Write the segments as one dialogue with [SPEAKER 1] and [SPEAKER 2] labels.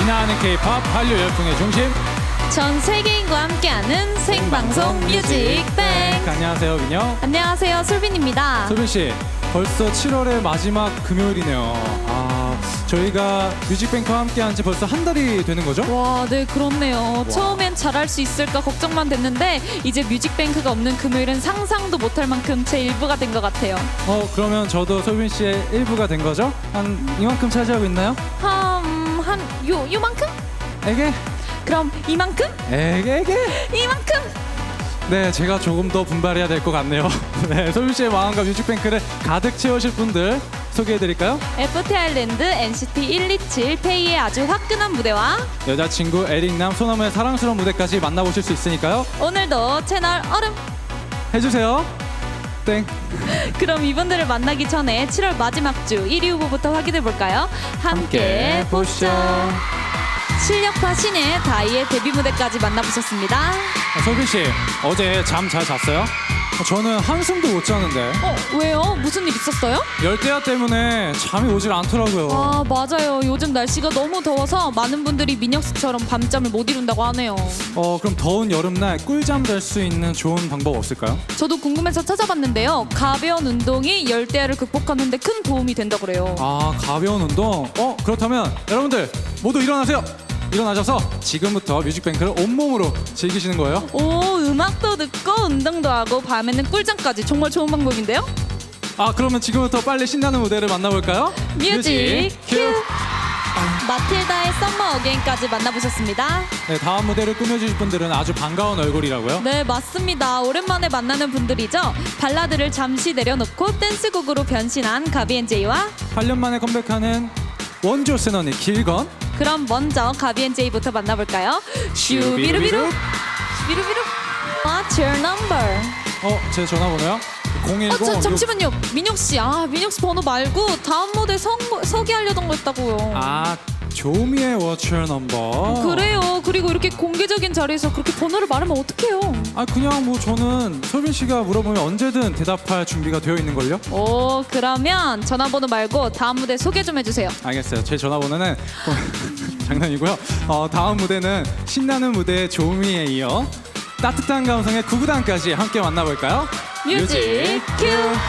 [SPEAKER 1] 진화하는 K-팝 한류 열풍의 중심.
[SPEAKER 2] 전 세계인과 함께하는 생방송 뮤직뱅.
[SPEAKER 1] 안녕하세요, 민혁.
[SPEAKER 2] 안녕하세요, 솔빈입니다.
[SPEAKER 1] 솔빈 씨, 벌써 7월의 마지막 금요일이네요. 저희가 뮤직뱅크와 함께한 지 벌써 한 달이 되는 거죠?
[SPEAKER 2] 와, 네, 그렇네요. 처음엔 잘할 수 있을까 걱정만 됐는데 이제 뮤직뱅크가 없는 금요일은 상상도 못할 만큼 제 일부가 된 것 같아요.
[SPEAKER 1] 그러면 저도 솔빈 씨의 일부가 된 거죠? 한 이만큼 차지하고 있나요?
[SPEAKER 2] 요만큼?
[SPEAKER 1] 에게?
[SPEAKER 2] 그럼 이만큼?
[SPEAKER 1] 에게?
[SPEAKER 2] 이만큼?
[SPEAKER 1] 네, 제가 조금 더 분발해야 될 것 같네요. 네, 솔빈 씨의 마음과 뮤직뱅크를 가득 채우실 분들 소개해드릴까요?
[SPEAKER 2] FT 아일랜드, NCT 127, 페이의 아주 화끈한 무대와
[SPEAKER 1] 여자친구 에릭남, 소나무의 사랑스러운 무대까지 만나보실 수 있으니까요.
[SPEAKER 2] 오늘도 채널 얼음.
[SPEAKER 1] 해주세요. 땡.
[SPEAKER 2] 그럼 이분들을 만나기 전에 7월 마지막 주 1위 후보부터 확인해볼까요? 함께 보시죠. 실력파 신의 다이의 데뷔 무대까지 만나보셨습니다.
[SPEAKER 1] 솔빈 씨, 어제 잠 잘 잤어요? 저는 한숨도 못 자는데.
[SPEAKER 2] 왜요? 무슨 일 있었어요?
[SPEAKER 1] 열대야 때문에 잠이 오질 않더라고요.
[SPEAKER 2] 아, 맞아요. 요즘 날씨가 너무 더워서 많은 분들이 민혁 씨처럼 밤잠을 못 이룬다고 하네요.
[SPEAKER 1] 그럼 더운 여름날 꿀잠 잘 수 있는 좋은 방법 없을까요?
[SPEAKER 2] 저도 궁금해서 찾아봤는데요. 가벼운 운동이 열대야를 극복하는 데 큰 도움이 된다고 그래요.
[SPEAKER 1] 가벼운 운동? 그렇다면 여러분들 모두 일어나세요. 일어나셔서 지금부터 뮤직뱅크를 온몸으로 즐기시는 거예요.
[SPEAKER 2] 오, 음악도 듣고 운동도 하고 밤에는 꿀잠까지. 정말 좋은 방법인데요?
[SPEAKER 1] 그러면 지금부터 빨리 신나는 무대를 만나볼까요?
[SPEAKER 2] 뮤직 큐! 마틸다의 썸머 어게인까지 만나보셨습니다.
[SPEAKER 1] 네, 다음 무대를 꾸며주실 분들은 아주 반가운 얼굴이라고요?
[SPEAKER 2] 네, 맞습니다. 오랜만에 만나는 분들이죠. 발라드를 잠시 내려놓고 댄스곡으로 변신한 가비앤제이와
[SPEAKER 1] 8년 만에 컴백하는 원조 세너니 길건.
[SPEAKER 2] 그럼 먼저 가비앤제이부터 만나볼까요? 슈비루비루 슈비루비루. What's your number?
[SPEAKER 1] 제 전화번호요? 010.
[SPEAKER 2] 잠시만요. 민혁 씨, 민혁 씨 번호 말고 다음 무대 서기하려던 거 있다고요.
[SPEAKER 1] 조미의 What's Your Number.
[SPEAKER 2] 그래요. 그리고 이렇게 공개적인 자리에서 그렇게 번호를 말하면 어떡해요?
[SPEAKER 1] 그냥 저는 솔빈 씨가 물어보면 언제든 대답할 준비가 되어 있는걸요?
[SPEAKER 2] 오, 그러면 전화번호 말고 다음 무대 소개 좀 해주세요.
[SPEAKER 1] 알겠어요. 제 전화번호는 장난이고요. 다음 무대는 신나는 무대의 조미에 이어 따뜻한 감성의 구구단까지 함께 만나볼까요?
[SPEAKER 2] 뮤직 큐!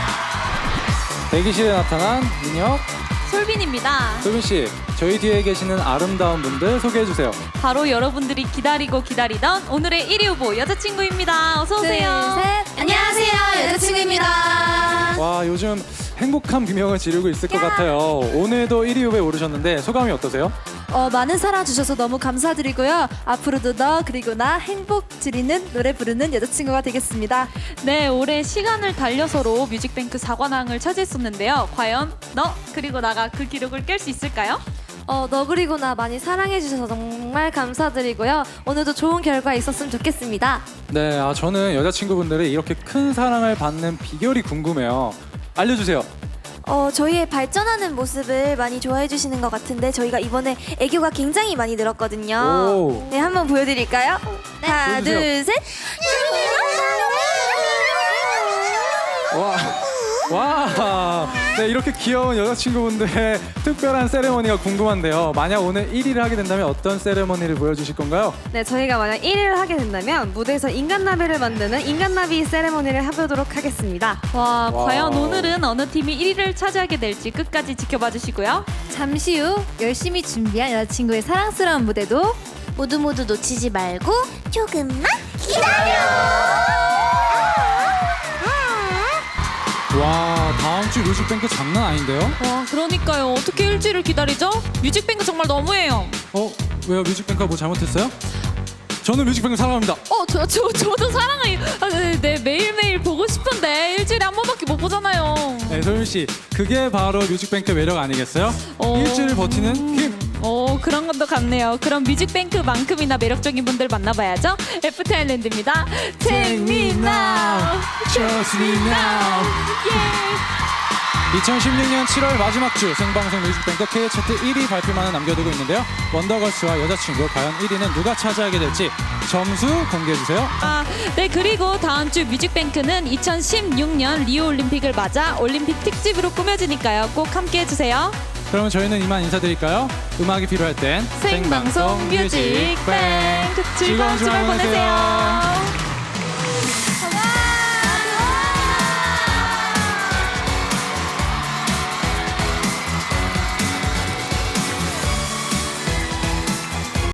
[SPEAKER 1] 대기실에 나타난 민혁,
[SPEAKER 2] 솔빈입니다.
[SPEAKER 1] 솔빈 씨, 저희 뒤에 계시는 아름다운 분들 소개해 주세요.
[SPEAKER 2] 바로 여러분들이 기다리고 기다리던 오늘의 1위 후보 여자친구입니다. 어서 오세요.
[SPEAKER 3] 둘, 셋. 안녕하세요, 여자친구입니다.
[SPEAKER 1] 와, 요즘 행복한 비명을 지르고 있을 것 같아요. 오늘도 1위 후보에 오르셨는데 소감이 어떠세요?
[SPEAKER 3] 많은 사랑 주셔서 너무 감사드리고요. 앞으로도 너 그리고 나 행복 드리는 노래 부르는 여자친구가 되겠습니다.
[SPEAKER 2] 네, 올해 시간을 달려서로 뮤직뱅크 4관왕을 차지했었는데요. 과연 너 그리고 나가 그 기록을 깰 수 있을까요?
[SPEAKER 3] 너 그리고 나 많이 사랑해 주셔서 정말 감사드리고요. 오늘도 좋은 결과 있었으면 좋겠습니다.
[SPEAKER 1] 네, 저는 여자친구분들이 이렇게 큰 사랑을 받는 비결이 궁금해요. 알려주세요.
[SPEAKER 4] 저희의 발전하는 모습을 많이 좋아해 주시는 것 같은데 저희가 이번에 애교가 굉장히 많이 늘었거든요.
[SPEAKER 1] 오.
[SPEAKER 4] 네, 한번 보여드릴까요? 하나,
[SPEAKER 1] 보여주세요.
[SPEAKER 4] 둘, 셋.
[SPEAKER 1] 와, 네, 이렇게 귀여운 여자친구분들의 특별한 세레머니가 궁금한데요. 만약 오늘 1위를 하게 된다면 어떤 세레머니를 보여주실 건가요?
[SPEAKER 5] 네, 저희가 만약 1위를 하게 된다면 무대에서 인간나비를 만드는 인간나비 세레모니를 해보도록 하겠습니다.
[SPEAKER 2] 와,
[SPEAKER 1] 와우.
[SPEAKER 2] 과연 오늘은 어느 팀이 1위를 차지하게 될지 끝까지 지켜봐 주시고요.
[SPEAKER 3] 잠시 후 열심히 준비한 여자친구의 사랑스러운 무대도
[SPEAKER 4] 모두 놓치지 말고 조금만 기다려.
[SPEAKER 1] 와, 다음 주 뮤직뱅크 장난 아닌데요?
[SPEAKER 2] 와, 그러니까요. 어떻게 일주일을 기다리죠? 뮤직뱅크 정말 너무해요.
[SPEAKER 1] 왜요? 뮤직뱅크가 뭐 잘못했어요? 저는 뮤직뱅크 사랑합니다.
[SPEAKER 2] 저도 사랑해요. 네, 매일매일 보고 싶은데 일주일에 한 번밖에 못 보잖아요.
[SPEAKER 1] 네, 소윤 씨, 그게 바로 뮤직뱅크 매력 아니겠어요? 일주일 버티는 힘.
[SPEAKER 2] 그런 것도 같네요. 그럼 뮤직뱅크만큼이나 매력적인 분들 만나봐야죠. FT 아일랜드입니다. Take me now,
[SPEAKER 1] trust me now. 2016년 7월 마지막 주 생방송 뮤직뱅크 K 차트 1위 발표만을 남겨두고 있는데요. 원더걸스와 여자친구 과연 1위는 누가 차지하게 될지 점수 공개해주세요.
[SPEAKER 2] 네, 그리고 다음 주 뮤직뱅크는 2016년 리오 올림픽을 맞아 올림픽 특집으로 꾸며지니까요. 꼭 함께 해주세요.
[SPEAKER 1] 그러면 저희는 이만 인사드릴까요? 음악이 필요할 땐
[SPEAKER 2] 생방송 뮤직뱅 즐거운 주말 보내세요.